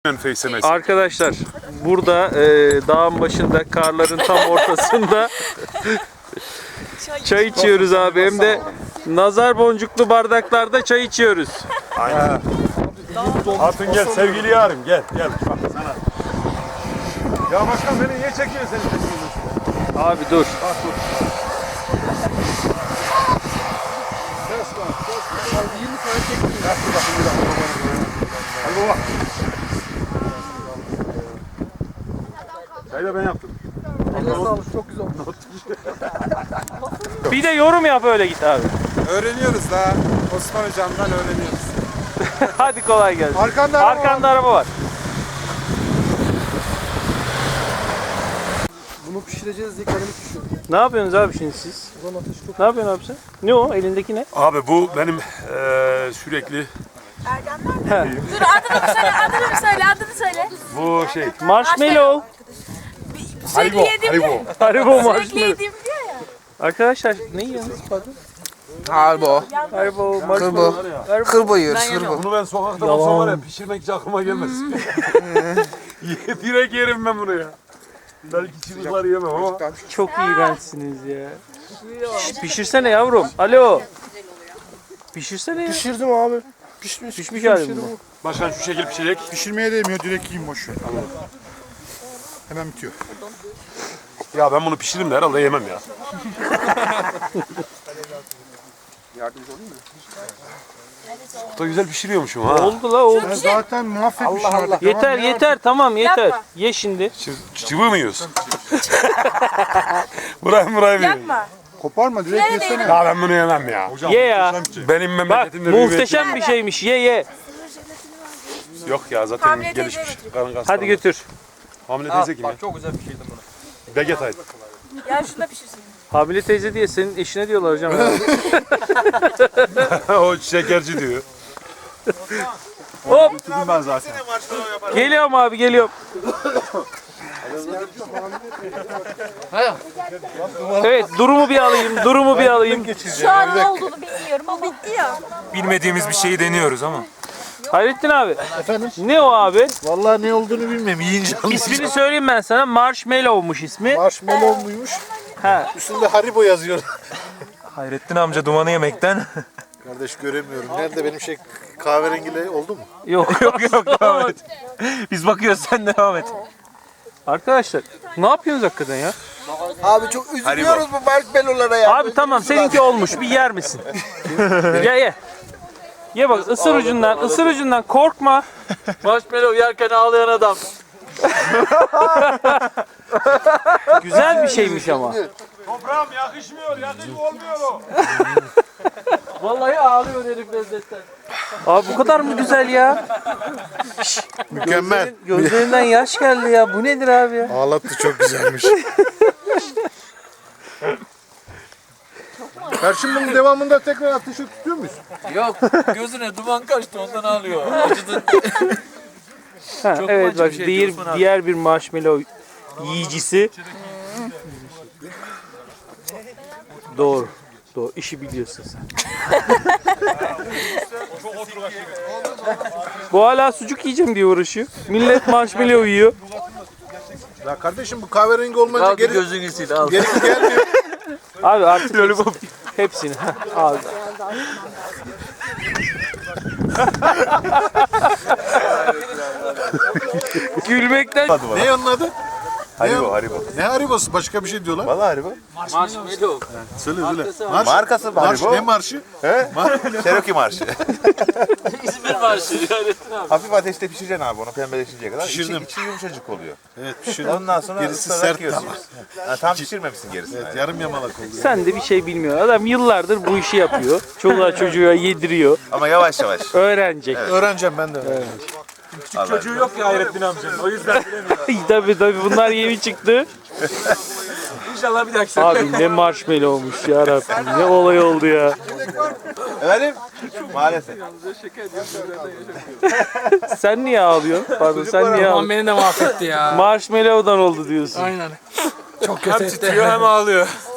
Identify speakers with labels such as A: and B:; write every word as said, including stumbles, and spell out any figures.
A: Arkadaşlar burada e, dağın başında, karların tam ortasında çay içiyoruz abi. Hem de nazar boncuklu bardaklarda çay içiyoruz.
B: Aynen. Hatun gel sevgili yarım gel gel. Bak sana. Ya başkan beni niye çekiyor seni?
A: Abi dur.
B: Bak dur. Kes lan. yirmi tane çektim. Kes dur bakayım bir dakika. Hadi baba. Çayı da ben yaptım.
C: Eline sağlık, çok güzel oldu.
A: Bir de yorum yap öyle git abi.
D: Öğreniyoruz daha. Osman hocamdan öğreniyoruz.
A: Hadi kolay gelsin.
C: Arkanda araba
A: Arkanda araba var.
C: Bunu pişireceğiz diye kalemi pişiyor.
A: Ne yapıyorsunuz abi şimdi siz?
C: Ulan ateş çok...
A: Ne yapıyorsun abi sen? Ne o? Elindeki ne?
B: Abi bu benim eee sürekli
E: Ergenler mi? Dur adını söyle, adını söyle, adını söyle.
B: bu şey.
A: Marshmallow.
E: Sürekli yediğim diyor.
A: Haribo
E: Sürekli
A: marshmallow.
E: yediğim diyor ya.
A: Arkadaşlar ne yiyorsunuz? Pardon.
F: Harbo.
A: Haribo
F: Kırbo.
A: marshmallow.
F: Kırbo yiyoruz, kırbo.
B: Bunu ben sokakta olsam var ya pişirmek hiç aklıma gelmez. Direkt yerim ben bunu ya. Belki çocukları yemem ama.
A: Çok iğrençsiniz ya. Şş, pişirsene yavrum. Alo. Pişirsene ya.
C: Pişirdim abi. Pişmiş.
A: Pişmiş hali mi bu?
B: Başkan şu şekil pişecek.
D: Pişirmeye değmiyor, direkt yiyeyim boş ver. Hemen bitiyor.
B: Ya ben bunu pişiririm de herhalde yemem ya. Çok da güzel pişiriyormuşum ha.
A: Oldu la oldu.
D: Ben zaten mahvetmişim artık.
A: Yeter yeter tamam yeter.
E: Yapma.
A: Ye şimdi.
B: Çı- Çıvı mı yiyorsun? Burayı burayı yiyor.
E: Yapma.
D: Koparma, direkt yesene.
B: Ya ben bunu yemem ya.
A: Ye ya.
B: Benim
A: Bak
B: memleketimde bir
A: muhteşem bir şeymiş. Ye ye.
B: üretim- Yok ya zaten
E: Hamile
B: gelişmiş.
E: teyze
B: Karın kasları.
A: Hadi götür.
B: Hamile teyze kim ya?
F: Çok güzel bir şeydi bunu.
B: Vegetaydı.
E: Ya şunu da pişirsin.
A: Hamile teyze diye senin eşine diyorlar hocam.
B: O şekerci diyor.
A: Hop.
B: Ben zaten.
A: Geliyorum abi geliyorum. Evet durumu bir alayım. Durumu bir alayım.
E: Şu an ne olduğunu bilmiyorum ama bitti ya.
G: Bilmediğimiz bir şeyi deniyoruz ama.
A: Hayrettin abi.
C: Efendim?
A: Ne o abi?
C: Vallahi ne olduğunu bilmiyorum. Yiyince
A: İsmini söyleyeyim ben sana. Marshmallow'muş ismi.
C: Marshmallow muymuş?
A: Ha.
C: Üstünde Haribo yazıyor.
G: Hayrettin amca dumanı yemekten.
C: Kardeş göremiyorum. Nerede benim şey kahverengiyle oldu mu?
A: Yok.
G: yok yok devam et. Biz bakıyoruz sen devam et.
A: Arkadaşlar ne yapıyorsunuz hakikaten ya?
F: Abi çok üzülüyoruz bu marshmallow'lara ya.
A: Abi tamam seninki olmuş. Bir yer misin? ye ye. Ye bak ısır ucundan, ısır ucundan korkma.
F: Marshmallow yerken ağlayan adam.
A: Güzel bir şeymiş ama.
B: Toprağım yakışmıyor, yakışmıyor olmuyor o.
F: Vallahi ağlıyor herif lezzetten.
A: Abi bu kadar mı güzel ya?
C: Mükemmel.
A: Gözlerinden yaş geldi ya. Bu nedir abi ya?
C: Ağlattı, çok güzelmiş. Karşım bunun devamında tekrar ateşe tutuyor muyuz?
F: Yok gözüne duman kaçtı ondan ağlıyor. Acıdı.
A: Ha,
F: Çok
A: evet
F: acı
A: bak
F: bir şey
A: diğer,
F: Osman abi.
A: diğer bir marshmallow yiyicisi. Doğru. Doğru. İşi biliyorsun sen. Bu hala sucuk yiyeceğim diye uğraşıyor. Millet marshmallow yiyor.
C: Ya kardeşim bu kahverengi olmayınca
F: Al
C: geri,
F: gözünü sil al.
C: gerisi gelmiyor.
A: Abi artık hepsini, hepsini. Heh, al. Gülmekten
C: Ne onun adı?
B: Haribo, Haribo.
C: Ne Haribo'su? Başka bir şey diyorlar.
B: Vallahi Haribo.
F: Marshmallow.
C: Söyle söyle. Marş,
G: Markası
C: marş, ne marşı?
G: Cherokee marşı.
F: İzmir marşı Hayrettin abi.
G: Hafif ateşte pişireceksin abi onu pembeleşinceye kadar.
C: Pişirdim.
G: İçi, içi yumuşacık oluyor.
C: Evet pişirdim.
G: Ondan sonra
C: Gerisi
G: ıslarak
C: sert
G: yiyorsun.
C: ama.
G: Ha, tam pişirmemişsin gerisini.
C: Evet, yarım yamalak oldu.
A: sen de bir şey bilmiyor. Adam yıllardır bu işi yapıyor. Çoluğa çocuğa yediriyor.
G: Ama yavaş yavaş.
A: Öğrenecek.
C: Öğreneceğim ben de. öğreneceğim.
B: Çocuğu yok ya Hayrettin amcanın. O yüzden bilemiyorum.
A: tabii tabii bunlar yeni çıktı.
B: İnşallah bir dahaki
A: Abi ne marshmallow olmuş ya Rabbim. Ne olay oldu ya.
G: Efendim? Maalesef.
A: Sen niye ağlıyorsun? Pardon sen niye ağlıyorsun?
F: Beni de mahvetti ya.
A: Marshmallow'dan oldu diyorsun.
F: Aynen. Çok
B: Hem
F: kötü.
B: titriyor hem ağlıyor.